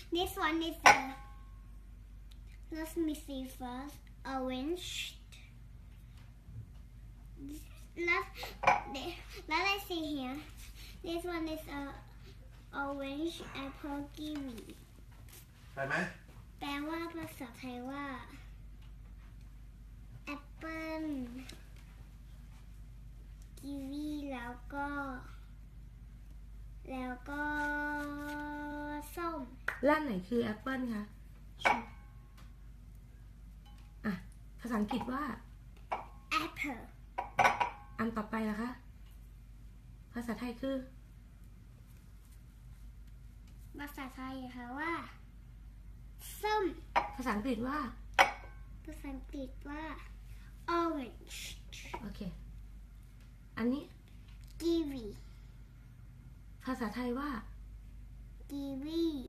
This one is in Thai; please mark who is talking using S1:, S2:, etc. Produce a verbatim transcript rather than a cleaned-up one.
S1: This one is a let me see first orange let let us see here this one is a orange apple kiwi
S2: ไปไหม
S1: แปลว่าภาษาไทยว่าแอปเปิ้ลกีวีแล้วก็แล้วก็ส้ม
S3: ร้านไหนคือแอปเปิ้ลคะอ่ะภาษาอังกฤษว่า
S1: apple
S3: อันต่อไปล่ะคะภาษาไทยคือ
S1: ภาษาไทยค่ะว่าส้ม
S3: ภาษาอังกฤษว่า
S1: ภาษาอังกฤษว่า orange
S3: โอเคอันนี้
S1: kiwi
S3: ภาษาไทยว่า
S1: kiwi